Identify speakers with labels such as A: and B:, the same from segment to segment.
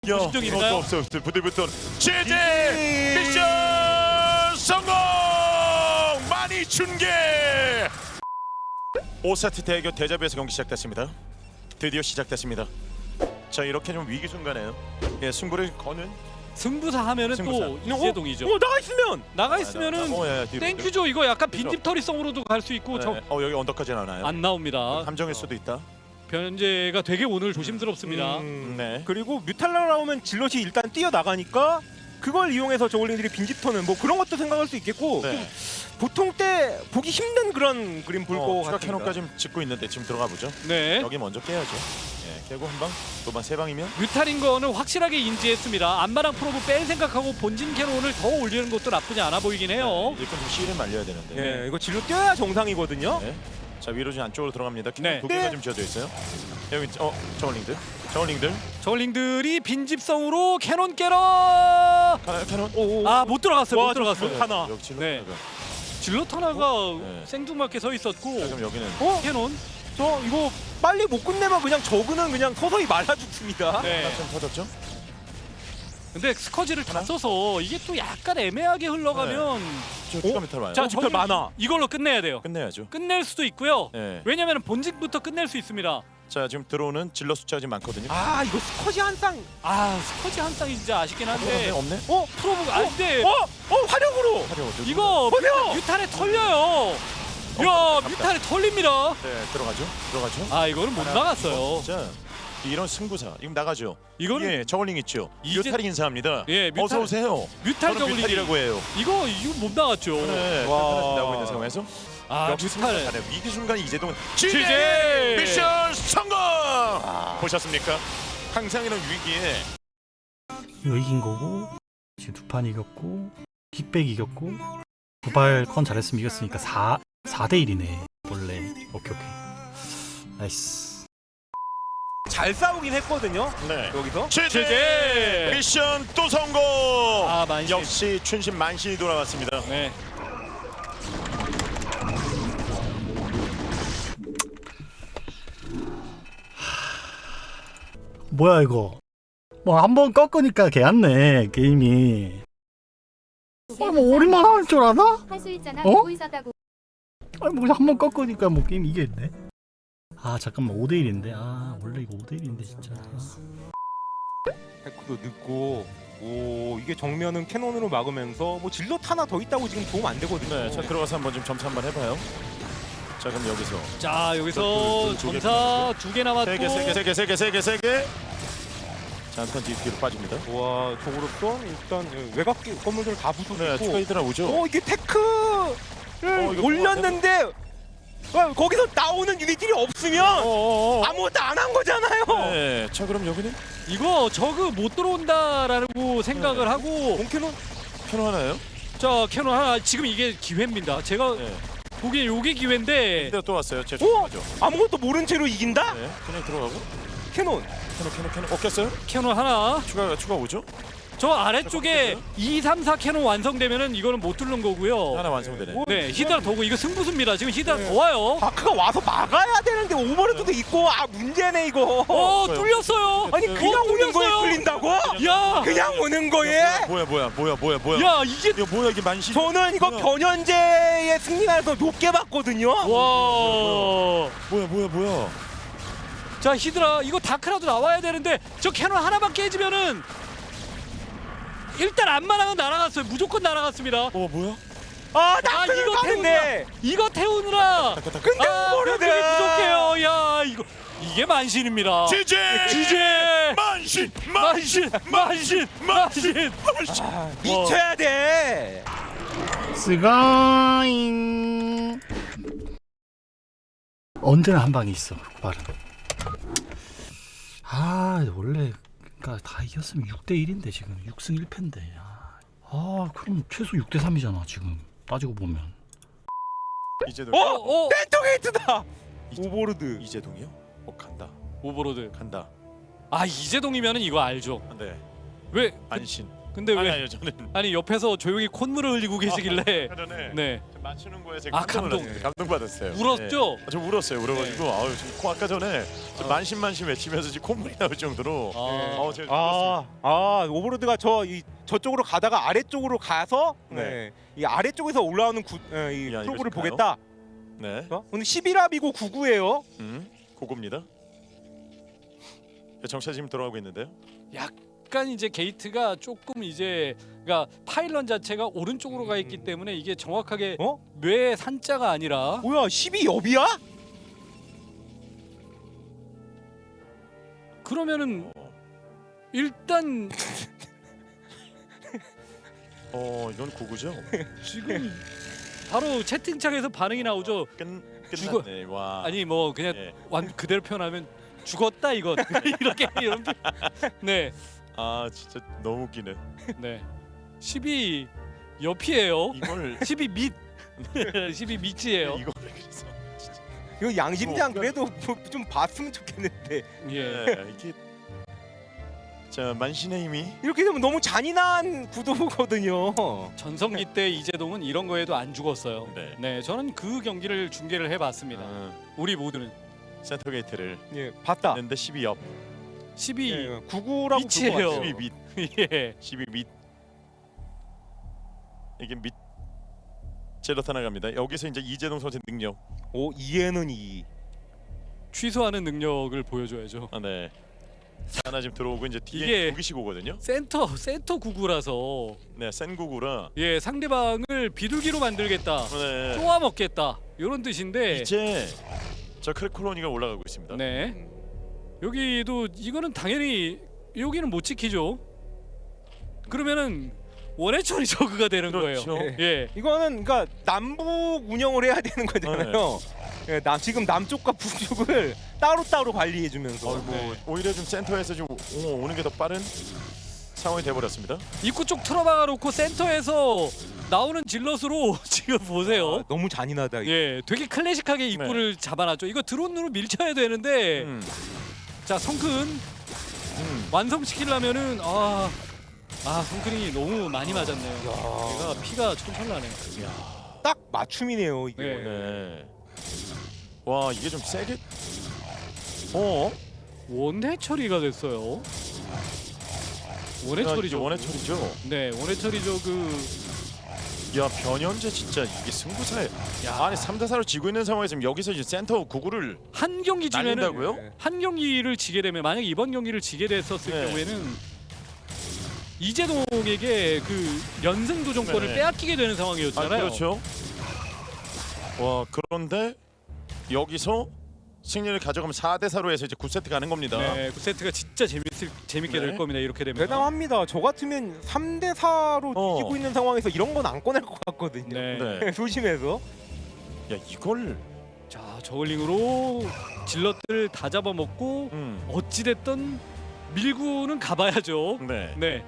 A: 진정인가요?
B: 없어. 부들부들. 제재 미션 성공. 많이 준게. 5세트 대결 대자뷰에서 경기 시작됐습니다. 드디어 시작됐습니다. 자, 이렇게 좀 위기 순간에요. 예, 승부를 거는
A: 승부사 하면은
B: 승부사.
A: 또 이재동이죠.
C: 나가 있으면
A: 나가 있으면은
B: 뒤로.
A: 땡큐죠. 이거 약간 빈집털이성으로도 갈 수 있고
B: 네. 여기 언덕까지 나나요?
A: 안 나옵니다.
B: 함정일 수도 있다.
A: 변제가 되게 오늘 조심스럽습니다.
B: 네.
C: 그리고 뮤탈라 나오면 질럿이 일단 뛰어나가니까 그걸 이용해서 저글링들이 빈집터는 뭐 그런 것도 생각할 수 있겠고
B: 네.
C: 보통 때 보기 힘든 그런 그림 볼 것
B: 추가
C: 같습니다.
B: 캐논까지 짓고 있는데 지금 들어가 보죠.
A: 네.
B: 여기 먼저 깨야죠. 예, 깨고 한 방, 또 방 세 방이면
A: 뮤탈인 거는 확실하게 인지했습니다. 안마랑 프로브 뺄 생각하고 본진 캐논을 더 올리는 것도 나쁘지 않아 보이긴 해요.
B: 일단 좀 C를 말려야 되는데.
C: 예, 이거 질럿 뛰어야 정상이거든요.
B: 네. 자, 위로 좀 안쪽으로 들어갑니다.
A: 네.
B: 두 개가 좀 지어져 있어요. 여기 저울링들.
A: 저울링들이 빈집성으로 캐논 깨러
B: 캐논.
A: 아 못 들어갔어요.
C: 와,
A: 못 들어갔어요.
C: 질럿 하나.
B: 여기 질럿
A: 네.
B: 하나가.
A: 질럿 하나가
B: 네.
A: 생뚱맞게 서 있었고
B: 자, 그럼 여기는
A: 캐논
C: 저 이거 빨리 못 끝내면 그냥 저그는 그냥 서서히 말아 죽습니다.
A: 네.
B: 하나 좀 터졌죠?
A: 근데 스커지를 다 써서 이게 또 약간 애매하게 흘러가면
B: 저 추가 메탈 와요.
A: 자,
C: 뮤탈 많아.
A: 이걸로 끝내야 돼요.
B: 끝내야죠.
A: 끝낼 수도 있고요.
B: 네.
A: 왜냐면 본직부터 끝낼 수 있습니다.
B: 자, 지금 들어오는 질러 숫자가 지금 많거든요.
C: 아 이거 스커지 한 쌍.
A: 아 스커지 한 쌍이 진짜 아쉽긴 한데
B: 없네.
A: 프로브가 안돼.
C: 화력으로.
A: 이거
C: 보세요!
A: 뮤탈에 털려요. 야 뮤탈에 털립니다.
B: 네, 들어가죠.
A: 아 이거는 못 나갔어요.
B: 자, 이런 승부사. 이거 나가죠.
A: 이거는
B: 예, 저울링 있죠.
A: 이제-
B: 뮤탈이 인사합니다.
A: 예, 뮤탈-
B: 어서 오세요.
A: 뮤탈
B: 저는
A: 저글링이
B: 뮤탈이라고 해요.
A: 이거 못 나갔죠.
B: 네,
C: 와.
B: 나오고 있는 상황에서
A: 아
B: 역시
A: 뮤탈
B: 승부사네. 위기 순간 이재동
A: 지제!
B: 미션 성공. 보셨습니까? 항상 이런 위기에
D: 이거 이긴 거고 지금 두 판 이겼고 킥백 이겼고 도발 컨 잘했으면 이겼으니까 4대 1이네 원래. 오케이 나이스.
C: 잘 싸우긴 했거든요.
B: 네.
C: 여기서.
A: 지제!
B: 미션 또 성공.
A: 아 만신.
B: 역시 춘신 만신이 돌아왔습니다.
A: 네.
D: 뭐야 이거. 뭐 한 번 꺾으니까 개안네 게임이. 뭐 우리만 할 줄 아나?
E: 할 수 있잖아.
D: 어?
E: 보고 있었다고.
D: 아니 뭐 한 번 꺾으니까 뭐 게임 이겼네. 아 잠깐만 5대 1인데. 아 원래 이거 5대 1인데 진짜.
C: 테크도 늦고. 오 이게 정면은 캐논으로 막으면서 뭐 질럿 하나 더 있다고 지금 도움 안 되거든요.
B: 네, 자 들어가서 한번 좀 점수 한번 해봐요. 자, 그럼 여기서
A: 자 여기서
B: 두 개,
A: 점사 2개 남았고
B: 세 개. 자, 한턴 뒤로 빠집니다.
C: 와 저거로서 일단 외곽 건물들 다
B: 네,
C: 부수고
B: 추가
C: 있고.
B: 히드라 오죠.
C: 이게 테크를
B: 이거
C: 올렸는데 거기서 나오는 유닛들이 없으면 아무것도 안 한 거잖아요.
B: 네, 자 그럼 여기는
A: 이거 저그 못 들어온다라고 생각을 하고
C: 본캐논
B: 캐논 하나요?
A: 자 캐논 하나 지금 이게 기회입니다. 제가
B: 네.
A: 보기엔 요게 기회인데
B: 히드라 또 왔어요. 제
C: 오!
B: 하죠.
C: 아무것도 모른 채로 이긴다?
B: 네, 그냥 들어가고
C: 캐논.
B: 캐논. 깼어요?
A: 캐논 하나
B: 추가 오죠?
A: 저 아래쪽에 2, 3, 4 캐논 완성되면은 이거는 못 뚫는 거고요.
B: 하나 완성되네.
A: 네 히드라 더고 이거 승부수입니다. 지금 히드라
C: 네.
A: 더 와요.
C: 다크가 와서 막아야 되는데 오버로드도 있고 문제네 이거.
A: 뚫렸어요.
C: 아니 그냥 오는 거에 뚫린다고?
A: 야,
C: 그냥 오는 거에?
B: 뭐야?
A: 야 이게
B: 이거 뭐야 이게 만신?
C: 저는 이거
B: 뭐야?
C: 변현재의 승리가서 높게 봤거든요.
A: 와.
B: 뭐야?
A: 자 히드라 이거 다크라도 나와야 되는데 저 캐논 하나만 깨지면은 일단 안마랑은 날아갔어요. 무조건 날아갔습니다.
B: 뭐야?
C: 아
A: 아
C: 다크는
A: 이거
C: 가는데.
A: 태우느라 이거 태우느라
C: 근데 오버로드.
A: 병력이 부족해요. 야 이거 이게 만신입니다. 지제 만신.
C: 미쳐야 돼.
D: 스가잉. 언제나 한 방이 있어 발은. 아 원래 그러니까 다 이겼으면 6대 1인데 지금 6승 1패인데. 그럼 최소 6대 3이잖아 지금 따지고 보면.
B: 이재동.
C: 센터게이트다. 오버로드.
B: 이재동이요?
A: 오버로드.
B: 간다.
A: 아 이재동이면은 이거 알죠.
B: 네.
A: 왜
B: 만신.
A: 근데 왜
B: 아니요 저는
A: 아니 옆에서 조용히 콧물을 흘리고 계시길래
B: 아까 전에
A: 네
B: 좀 맞추는 거에 제가
A: 아, 감동.
B: 감동받았어요.
A: 울었죠?
B: 네. 저 울었어요. 울어가지고 아유 지금 코 아까 전에 좀 만신만신 외치면서 지금 콧물이 나올 정도로 제가 울었어요.
C: 오버로드가 저쪽으로 가다가 아래쪽으로 가서
B: 네.
C: 이 아래쪽에서 올라오는 이
B: 이거
C: 프로브를
B: 볼까요?
C: 보겠다.
B: 네.
C: 오늘 11합이고 99예요.
B: 고고입니다. 정차 지금 돌아오고 있는데요.
A: 약간 이제 게이트가 조금 이제 그러니까 파일런 자체가 오른쪽으로 가 있기 때문에 이게 정확하게 뇌 산자가 아니라
C: 뭐야 12엽이야?
A: 그러면은 일단
B: 이건 고고죠.
A: 지금 바로 채팅창에서 반응이 나오죠.
B: 끝났네. 와.
A: 아니 뭐 그냥
B: 예.
A: 그대로 표현하면 죽었다 이건 이렇게 이런 네.
B: 아 진짜 너무 웃기네.
A: 네. 12 옆이에요.
B: 이걸
A: 12 밑 12 밑이에요.
B: 이거를 그래서
C: 이거 양심장
B: 이거
C: 그래도 좀 봤으면 좋겠는데
A: 예.
B: 네, 이게 자 만신의 힘이
C: 이렇게 되면 너무 잔인한 구도거든요.
A: 전성기 때 이재동은 이런 거에도 안 죽었어요.
B: 네.
A: 네, 저는 그 경기를 중계를 해봤습니다. 우리 모두는
B: 센터 게이트를
C: 예, 봤다.
B: 했는데 12옆
A: 12
C: 예, 99라고
A: 밑이에요.
B: 12 밑
A: 예.
B: 12 밑 이게 밑 제로 나갑니다. 여기서 이제 이재동 선수 능력.
C: 오 2에는 2.
A: 취소하는 능력을 보여줘야죠.
B: 네. 하나 지금 들어오고 이제 뒤에
A: 이게-
B: 두 개씩 오거든요.
A: 센터 구구라서
B: 네, 센 구구라.
A: 예 상대방을 비둘기로 만들겠다,
B: 네.
A: 쪼아 먹겠다 이런 뜻인데
B: 이제 저 크래콜로니가 올라가고 있습니다.
A: 네 여기도 이거는 당연히 여기는 못 지키죠. 그러면은 원해처리 저그가 되는
B: 그렇죠.
A: 거예요. 예.
C: 이거는 그러니까 남북 운영을 해야 되는 거잖아요. 예, 지금 남쪽과 북쪽을 따로따로 관리해주면서.
B: 뭐 오히려 좀 센터에서 좀 오는 게 더 빠른 상황이 돼버렸습니다.
A: 입구 쪽 틀어박아 놓고 센터에서 나오는 질럿으로 지금 보세요.
C: 아, 너무 잔인하다. 이거.
A: 예, 되게 클래식하게 입구를 잡아놨죠. 이거 드론으로 밀쳐야 되는데 자 성큰 완성시키려면은 성큰이 너무 많이 맞았네요. 얘가 피가 철철나네요.
C: 딱 맞춤이네요. 이게.
A: 네.
B: 네. 와 이게 좀 세게.
A: 원해 처리가 됐어요. 원해 처리죠.
B: 원해 처리죠.
A: 네, 원해 처리죠.
B: 야 변현재 진짜 이게 승부사에. 아니 3대4로 지고 있는 상황에서 지금 여기서 이제 센터 구구를
A: 한 경기 지면은
B: 날린다고요?
C: 네.
A: 한 경기를 지게 되면 만약 이번 경기를 지게 됐었을
B: 네.
A: 경우에는 이재동에게 그 연승 도전권을
B: 네.
A: 빼앗기게 되는 상황이었잖아요.
B: 그렇죠. 와 그런데 여기서 승리를 가져가면 4대4로 해서 이제 9세트 가는 겁니다.
A: 네, 그 세트가 진짜 재밌게
B: 네.
A: 될 겁니다. 이렇게 되면.
C: 대단합니다. 저 같으면 3대4로 이기고 있는 상황에서 이런 건 안 꺼낼 것 같거든요.
A: 네.
B: 네.
C: 조심해서.
B: 야 이걸
A: 자, 저글링으로 질럿들 다 잡아먹고 어찌 됐든 밀고는 가봐야죠.
B: 네.
A: 네.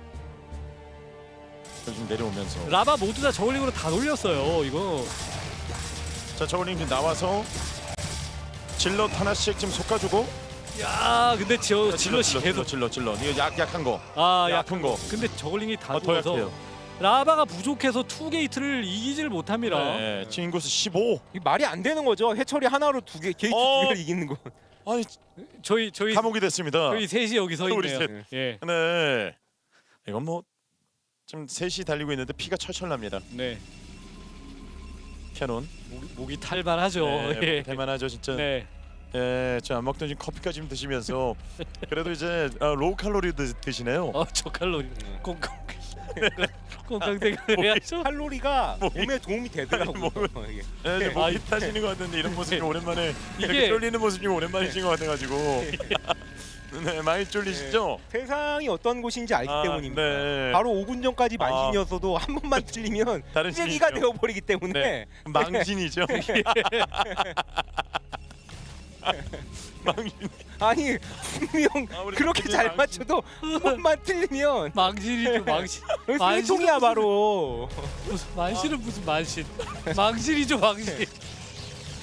B: 지금 내려오면서
A: 라바 모두 다 저글링으로 다 돌렸어요. 이거.
B: 자 저걸링 지금 나와서 질럿 하나씩 지금 솎아주고.
A: 야, 근데 질럿이 계속
B: 질럿 이거 약한 거.
A: 약한
B: 거.
A: 근데 저글링이 다
B: 더
A: 죽어서
B: 약해요.
A: 라바가 부족해서 투 게이트를 이기질 못합니다.
B: 네. 지금 인구수 15.
C: 이 말이 안 되는 거죠. 해처리 하나로 게이트 두 개를 이기는 거.
B: 아니
A: 저희
B: 감옥이 됐습니다.
A: 저희 셋이 여기 서
B: 우리
A: 있네요.
B: 셋.
A: 예.
B: 네. 이건 뭐 지금 셋이 달리고 있는데 피가 철철 납니다.
A: 네.
B: 캐논.
A: 목이 탈발하죠.
B: 네,
A: 예.
B: 대만하죠 진짜.
A: 네.
B: 예, 저안 먹던 지금 커피까지 좀 드시면서 그래도 이제 로우 칼로리 드시네요.
A: 저칼로리 꽁꽁 꽁꽁대고 해야죠.
C: 칼로리가 몸에 도움이 되더라고요. 이게.
B: 네, 좀 목이 타시는 것 같은데 이런 모습이 오랜만에 이렇게
A: 이게-
B: 쫄리는 모습이 오랜만이신 것 같아가지고 네, 많이 쫄리시죠?
C: 세상이 어떤 곳인지 알기 때문입니다.
B: 네.
C: 바로 5분 전까지 만신이었어도 한 번만 틀리면
B: 다른
C: 쓰레기가
B: 신이죠.
C: 되어버리기 때문에
B: 네. 망신이죠. 망신.
C: 아니 분명
B: 우리
C: 그렇게
B: 갑자기
C: 잘
B: 망신.
C: 맞춰도 한 번만 틀리면
A: 망신이죠, 망신.
C: 쓰레통이야 바로.
A: 만신은 무슨 만신? 망신이죠, 망신.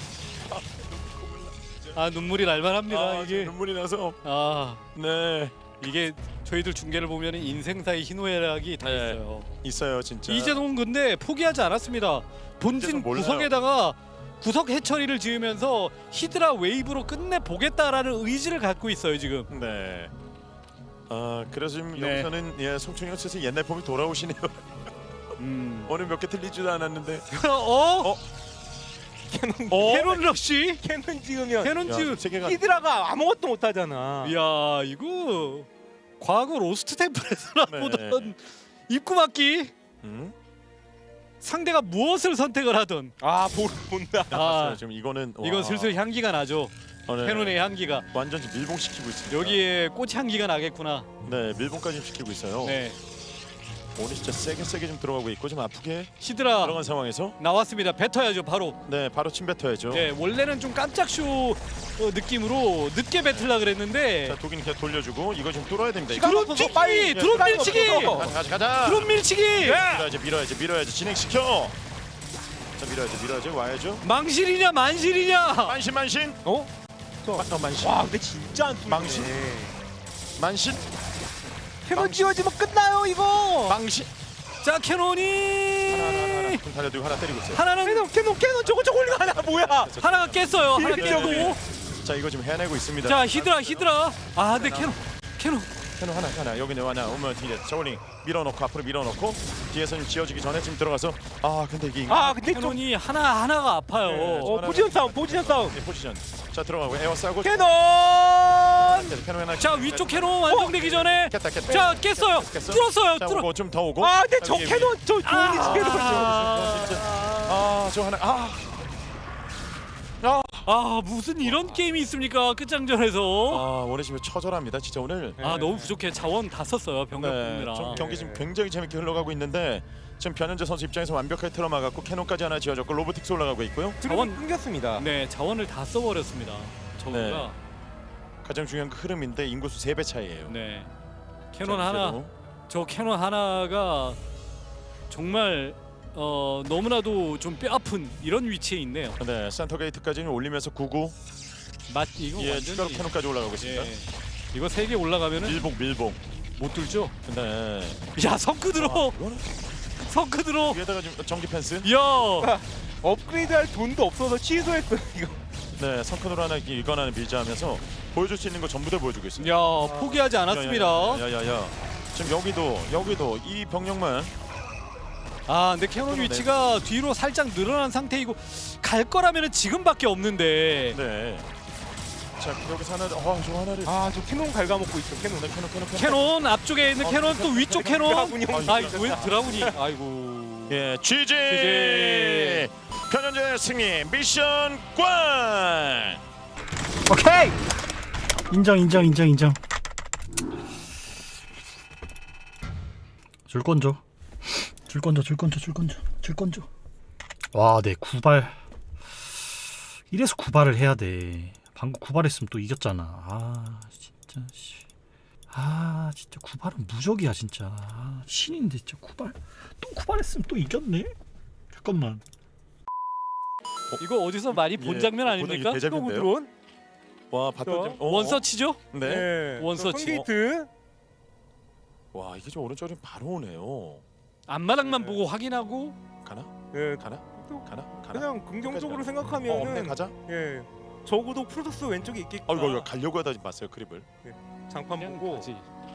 A: 눈물이 날만합니다 이게.
B: 눈물이 나서
A: 아,
B: 네.
A: 이게 저희들 중계를 보면 인생사의 희노애락이 다
B: 네.
A: 있어요.
B: 있어요 진짜.
A: 이재동 근데 포기하지 않았습니다. 본진
B: 이재동 몰라요.
A: 구석에다가 구석 해처리를 지으면서 히드라 웨이브로 끝내 보겠다라는 의지를 갖고 있어요 지금.
B: 네. 아 그래서 지금
A: 네.
B: 여기서는 예 송충현 선수 옛날 폼이 돌아오시네요. 오늘 몇 개 틀리지도 않았는데.
A: 어?
C: 캐논
A: 캐논 러쉬?
C: 캐논 지으면
A: 캐논 즈
B: 세계가
C: 히드라가 아무것도 못하잖아.
A: 이야 이거 과거 로스트 템플에서나
B: 네.
A: 보던 입구 막기. 상대가 무엇을 선택을 하든
C: 아 본다.
A: 아
B: 지금 이거는
A: 이건
B: 와.
A: 슬슬 향기가 나죠.
B: 네.
A: 캐논의 향기가
B: 완전 지금 밀봉시키고 있습니다.
A: 여기에 꽃 향기가 나겠구나.
B: 네 밀봉까지 시키고 있어요.
A: 네
B: 오늘 진짜 세게 좀 들어가고 있고 좀 아프게
A: 히드라
B: 들어간 상황에서
A: 나왔습니다. 뱉어야죠 바로.
B: 네 바로 침 뱉어야죠.
A: 네 원래는 좀 깜짝쇼 느낌으로 늦게 뱉으려 그랬는데
B: 자 독인 그냥 돌려주고 이거 좀 뚫어야 됩니다.
C: 시간
B: 이거.
A: 드론
C: 없어서
A: 튀기!
C: 빨리
A: 드론
C: 시간이
A: 밀치기!
C: 없어서.
B: 가자.
A: 드론 밀치기!
B: 밀어야지 자 밀어야지 와야죠.
A: 망실이냐 만실이냐?
B: 만신
C: 어?
B: 만신
C: 와 근데 진짜 안 뚫리네.
B: 만신
C: 캐논 지어지면 끝나요 이거.
B: 망신
A: 자 캐논이
B: 하나 좀 달려들고 하나 때리고 있어요.
A: 하나는
C: 캐논 저거 올리고 하나 뭐야?
A: 하나가 깼어요. 하나
C: 이렇게
A: 깼고
B: 네. 자 이거 지금 해내고 있습니다.
A: 자 히드라 아 근데 캐논
B: 캐논 하나 여기는 하나 오면 뒤에 저울링 밀어놓고 앞으로 밀어놓고 뒤에서 좀 지어지기 전에 지금 들어가서 아 근데 이게
C: 아 근데 좀
A: 캐논이 하나가 아파요.
B: 네,
C: 포지션 싸움.
B: 네, 포지션 자 들어가고 에어 싸고
C: 캐논.
B: 캐논 하나
A: 자 위쪽 캐논 완성되기 전에
B: 깼다
A: 자 깼어요. 뚫었어요.
B: 자
A: 뚫어.
B: 오고 좀 더 오고
C: 아 근데 저
B: 위에,
C: 캐논 저 좋은 위치에서
B: 아저 하나
A: 아 무슨 이런 게임이 있습니까 끝장전에서.
B: 오늘 지금 처절합니다 진짜 오늘.
A: 아 너무 부족해. 자원 다 썼어요 병력
B: 네,
A: 뽑느라.
B: 좀 경기 지금 굉장히 재밌게 흘러가고 있는데 지금 변현재 선수 입장에서 완벽하게 틀어막았고 캐논까지 하나 지어졌고 로보틱스 올라가고 있고요.
C: 자원 끊겼습니다.
A: 네 자원을 다 써버렸습니다. 저거가
B: 네. 가장 중요한 그 흐름인데 인구수 3배 차이예요.
A: 네 캐논 하나 저 캐논 하나가 정말 너무나도 좀 뼈아픈 이런 위치에 있네요.
B: 네, 센터 게이트까지는 올리면서 99.
A: 이거
B: 예,
A: 완전히
B: 추가로 캐논까지 올라가고 있습니다.
A: 예. 이거 3개 올라가면은
B: 밀봉.
A: 못 뚫죠.
B: 네.
A: 야 성크 들어. 성크 들어.
B: 위에다가 지금 전기 펜스.
A: 야
C: 업그레이드할 돈도 없어서 취소했어 이거.
B: 네, 성큰으로 하나 이건 하나 밀자하면서 보여줄 수 있는 거 전부 다 보여주고 있습니다.
A: 야 포기하지 않았습니다.
B: 야야야. 지금 여기도 이 병력만.
A: 아 근데 캐논 위치가 뒤로 살짝 늘어난 상태이고 갈 거라면은 지금밖에 없는데.
B: 네. 자 여기서 하나. 저 하나를.
C: 아저 캐논 갉아먹고 있어 캐논.
A: 캐논 앞쪽에 있는 캐논 또 위쪽 캐논.
C: 드라군이
A: 아 왜 드라군이? 아이고.
B: 예, GG.
A: GG.
B: 변현재 승리 미션 꽝.
D: 오케이. 인정. 줄 건져. 와, 네 구발. 이래서 구발을 해야 돼. 방금 구발했으면 또 이겼잖아. 진짜 씨. 진짜 구발은 무적이야 진짜. 신인데 진짜 구발. 또 구발했으면 또 이겼네. 잠깐만.
A: 이거 어디서 많이 본
B: 예,
A: 장면 아닙니까?
B: 대작인데요?
C: 드론.
B: 와, 봤던
A: 원서치죠?
B: 네.
A: 원서치.
C: 게이트.
B: 와, 이게 좀 오른쪽으로 바로 오네요.
A: 앞마당만 보고 확인하고
B: 가나?
C: 예.
B: 가나?
C: 그냥 긍정적으로
B: 없네
C: 생각하면은
B: 가자.
C: 예. 적어도 프로토스 왼쪽에 있겠다.
B: 이거 가려고 하다 봤어요 크립을.
C: 장판
A: 그냥
C: 보고
A: 가지.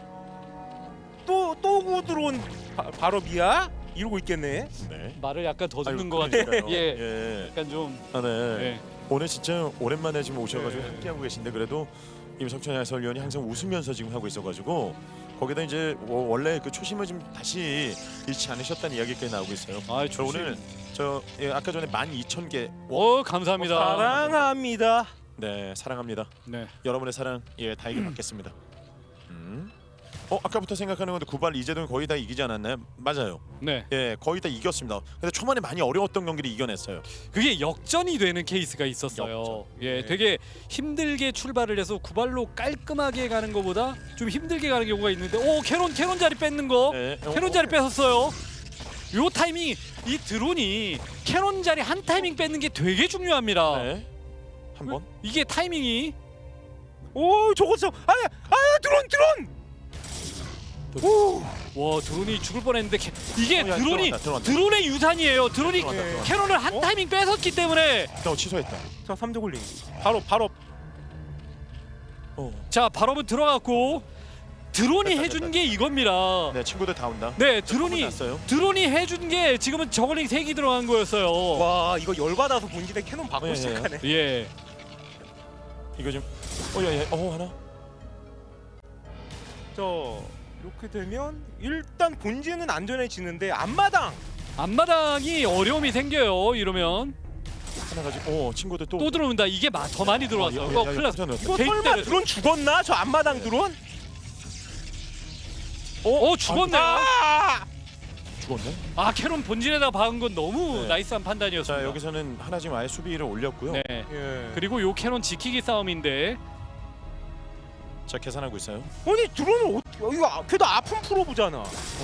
C: 또 구드론 바로 미야 이러고 있겠네.
B: 네.
A: 말을 약간 더 듣는 것
B: 그러니까요.
A: 같아요. 예.
B: 예.
A: 약간 좀.
B: 네.
A: 예.
B: 오늘 진짜 오랜만에 지금 오셔가지고
C: 네.
B: 함께하고 계신데 그래도 임석천 해설위원이 항상 웃으면서 지금 하고 있어가지고 거기다 이제 원래 그 초심을 좀 다시 잃지 않으셨다는 이야기까지 나오고 있어요.
A: 아
B: 저 오늘 아까 전에 12,000개
A: 감사합니다.
C: 사랑합니다.
B: 네 사랑합니다.
A: 네.
B: 여러분의 사랑 다에게 받겠습니다. 아까부터 생각하는 건데 구발 이재동이 거의 다 이기지 않았나요? 맞아요.
A: 네.
B: 예, 거의 다 이겼습니다. 근데 초반에 많이 어려웠던 경기를 이겨냈어요.
A: 그게 역전이 되는 케이스가 있었어요.
B: 역전.
A: 예,
B: 네.
A: 되게 힘들게 출발을 해서 구발로 깔끔하게 가는 것보다 좀 힘들게 가는 경우가 있는데, 캐논 자리 뺏는 거,
B: 네.
A: 캐논 자리 뺏었어요. 요 타이밍 이 드론이 캐논 자리 한 타이밍 뺏는 게 되게 중요합니다.
B: 네. 한 번.
A: 이게 타이밍이
C: 오 저거 드론.
A: 와 드론이 죽을 뻔했는데 이게
B: 야,
A: 드론이
B: 들어간다.
A: 드론의 유산이에요. 드론이
B: 들어간다.
A: 캐논을 한 타이밍 뺏었기 때문에
B: 취소했다.
C: 자 3조 굴링 바로
A: 자 발업은 들어갔고 드론이
B: 됐다,
A: 해준
B: 됐다.
A: 게 이겁니다.
B: 네, 친구들 다 온다.
A: 네
B: 드론이
A: 드론이
B: 났어요.
A: 드론이 해준 게 지금은 저글링 3기 들어간 거였어요.
C: 와 이거 열받아서 본진에 캐논 받고
B: 예,
C: 시작하네.
A: 예.
B: 이거 좀 하나.
C: 이렇게 되면 일단 본진은 안전해지는데
A: 앞마당이 어려움이 생겨요. 이러면
B: 하나 가지고 친구들 또
A: 또 들어온다. 이게 더 많이 들어왔어요. 큰일 났어.
C: 이거
A: 게이트
C: 설마
A: 때렸어.
C: 드론 죽었나? 저 앞마당 드론?
A: 죽었네요.
B: 죽었네.
A: 아 캐논 본진에다 박은 건 너무
B: 네.
A: 나이스한 판단이었습니다.
B: 자, 여기서는 하나 지금 아예 수비를 올렸고요.
A: 네.
C: 예.
A: 그리고 요 캐논 지키기 싸움인데
B: 자, 계산하고 있어요.
C: 아니 드론을 이거 걔도 아픈 프로브잖아.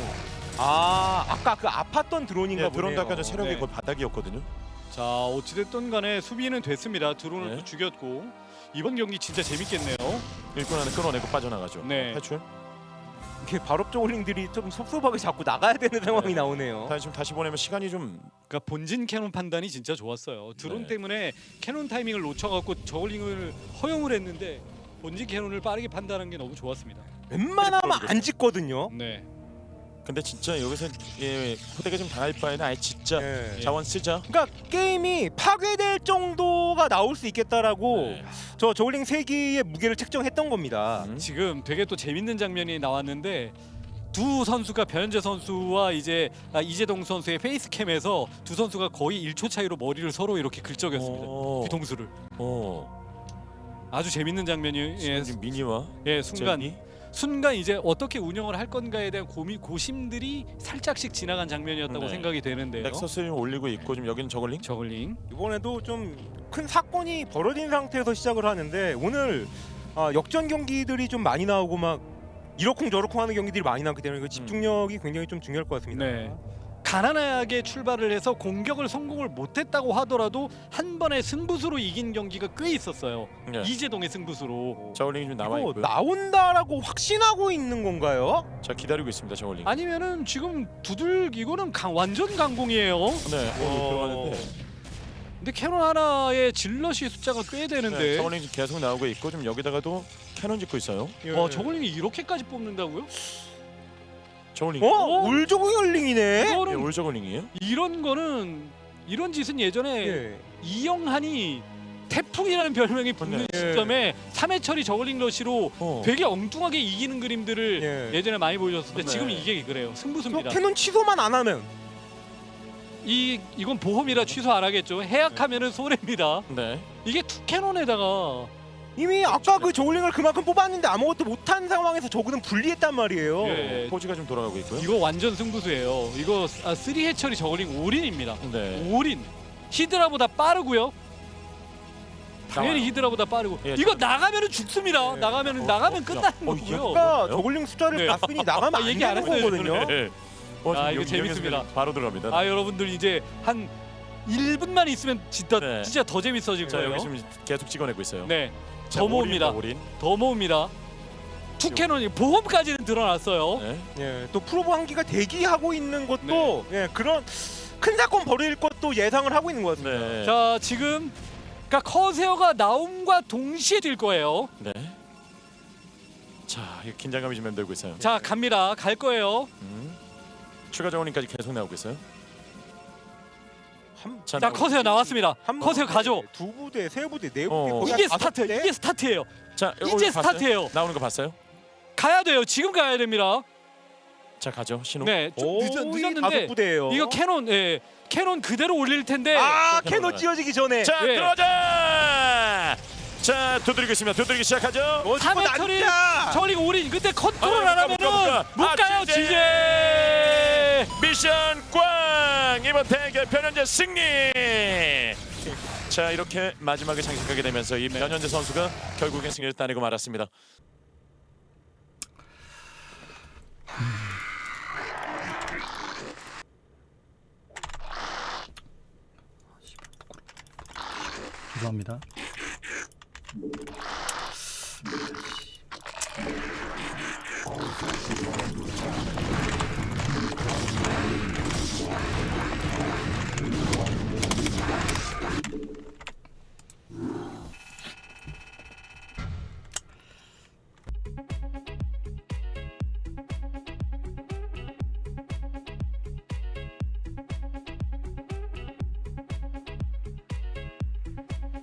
C: 아까 그 아팠던 드론인가
B: 예,
C: 보네요.
B: 드론도 아까 전 체력이
A: 네.
B: 거의 바닥이었거든요.
A: 자 어찌됐든 간에 수비는 됐습니다. 드론을
B: 네.
A: 또 죽였고 이번 경기 진짜 재밌겠네요.
B: 일꾼 하나 끌어내고 빠져나가죠.
A: 네.
B: 탈출.
C: 이렇게 발업 저글링들이 좀 섭섭하게 자꾸 나가야 되는 상황이 나오네요.
B: 다시 보내면 시간이 좀
A: 그러니까 본진 캐논 판단이 진짜 좋았어요. 드론
B: 네.
A: 때문에 캐논 타이밍을 놓쳐갖고 저글링을 허용을 했는데 본진 캐논을 빠르게 판단한 게 너무 좋았습니다.
C: 웬만하면 안 짓거든요.
A: 네.
B: 근데 진짜 여기서 후대가 좀 당할 바에는 아예 진짜
C: 예.
B: 자원 쓰자.
C: 그러니까 게임이 파괴될 정도가 나올 수 있겠다라고
B: 네.
C: 저 저글링 3기의 무게를 책정했던 겁니다.
A: 지금 되게 또 재밌는 장면이 나왔는데 두 선수가 변현재 선수와 이재동 선수의 페이스캠에서 두 선수가 거의 1초 차이로 머리를 서로 이렇게 긁적였습니다. 뒤통수를. 아주 재밌는 장면이
B: 지금 미니와
A: 순간 이제 어떻게 운영을 할 건가에 대한 고심들이 살짝씩 지나간 장면이었다고
B: 네.
A: 생각이 되는데요.
B: 넥서스를 올리고 있고 지금 여기는 저글링.
A: 저글링.
C: 이번에도 좀 큰 사건이 벌어진 상태에서 시작을 하는데 오늘 역전 경기들이 좀 많이 나오고 막 이러쿵저러쿵 하는 경기들이 많이 나오기 때문에 그 집중력이 굉장히 좀 중요할 것 같습니다.
A: 네. 가난하게 출발을 해서 공격을 성공을 못했다고 하더라도 한 번의 승부수로 이긴 경기가 꽤 있었어요.
B: 네.
A: 이재동의 승부수로.
B: 저글링이 좀 남아
C: 이거
B: 있고요.
C: 나온다라고 확신하고 있는 건가요?
B: 자, 기다리고 있습니다. 저글링.
A: 아니면은 지금 이거는 완전 강공이에요.
B: 네. 들어가는데.
A: 근데 캐논 하나의 질럿이 숫자가 꽤 되는데
B: 네, 저글링 지금 계속 나오고 있고 좀 여기다가도 캐논 짓고 있어요.
A: 저글링이 이렇게까지 뽑는다고요?
B: 저글링.
C: 울조글링이네.
A: 이거는
B: 올 저글링이에요?
A: 이런 짓은 예전에
C: 예.
A: 이영한이 태풍이라는 별명이 붙는
C: 네.
A: 시점에 3회 처리 저글링 러시로
B: 어.
A: 되게 엉뚱하게 이기는 그림들을
C: 예.
A: 예전에 많이 보여줬는데
B: 네.
A: 지금 이게 그래요.
C: 저
A: 승부수입니다.
C: 캐논 취소만 안 하면
A: 이건 보험이라 취소 안 하겠죠. 해약하면은 손해입니다.
B: 네.
A: 이게 투 캐논에다가
C: 이미 아까 그 저글링을 그만큼 뽑았는데 아무것도 못한 상황에서 저그는 불리했단 말이에요.
A: 예.
B: 포지가 좀 돌아가고 있고요.
A: 이거 완전 승부수예요. 이거 3회 처리 저글링 올인입니다.
B: 네.
A: 올인. 히드라보다 빠르고요. 당연히
B: 나와요.
A: 히드라보다 빠르고.
B: 예,
A: 이거 나가면은 죽습니다.
C: 예.
A: 나가면 끝나는 거고요.
C: 아까 저글링 숫자를
A: 네.
C: 봤으니 나가면 안
A: 얘기 안
C: 되는
A: 했어요,
C: 거거든요.
B: 네.
A: 아, 이거
B: 지금
A: 재밌습니다.
B: 여기서 바로 들어갑니다.
A: 아 여러분들 이제 한 1분만 있으면 진짜
B: 네.
A: 더 재밌어질
B: 자,
A: 거예요.
B: 여기 지금 계속 찍어내고 있어요.
A: 네,
B: 자,
A: 더 모읍니다.
B: 올인.
A: 더 모읍니다. 투캐논이 보험까지는 드러났어요.
B: 네.
C: 예, 또 프로브 한기가 대기하고 있는 것도 예, 그런 큰 사건 벌일 것도 예상을 하고 있는 것 같습니다.
B: 네.
A: 자 지금 그러니까 커세어가 나옴과 동시에 될 거예요.
B: 네. 자, 이거 긴장감이 좀 맴돌고 있어요.
A: 자 갑니다. 갈 거예요.
B: 추가 자원인까지 계속 나오고 있어요.
A: 자 커세어 나왔습니다. 커세어 가죠.
C: 두 부대, 세 부대, 네 부대,
B: 어.
C: 거의
A: 이게
C: 한 다섯
A: 스타트.
C: 부대?
A: 이게 스타트예요.
B: 자,
A: 이제
B: 봤어요?
A: 스타트예요.
B: 나오는 거 봤어요?
A: 가야 돼요. 지금 가야 됩니다.
B: 자, 가죠. 신호.
A: 네, 좀
C: 거의
A: 늦었는데
C: 다섯 부대예요.
A: 이거 캐논, 캐논 그대로 올릴 텐데.
C: 캐논 찢어지기 전에.
B: 자,
A: 예.
B: 들어가자. 자, 두드리고 있습니다. 두드리기 시작하죠.
A: 삼회 처리 저리 올인. 근데 컨트롤 안 하면은 못 가요.
B: 지제.
A: 지제.
B: 미션 꽝. 이번 대결 변현재 승리. 자, 이렇게 마지막에 장식하게 되면서 이 변현재 선수가 결국엔 승리를 따내고 말았습니다.
D: 죄송합니다.
B: 자,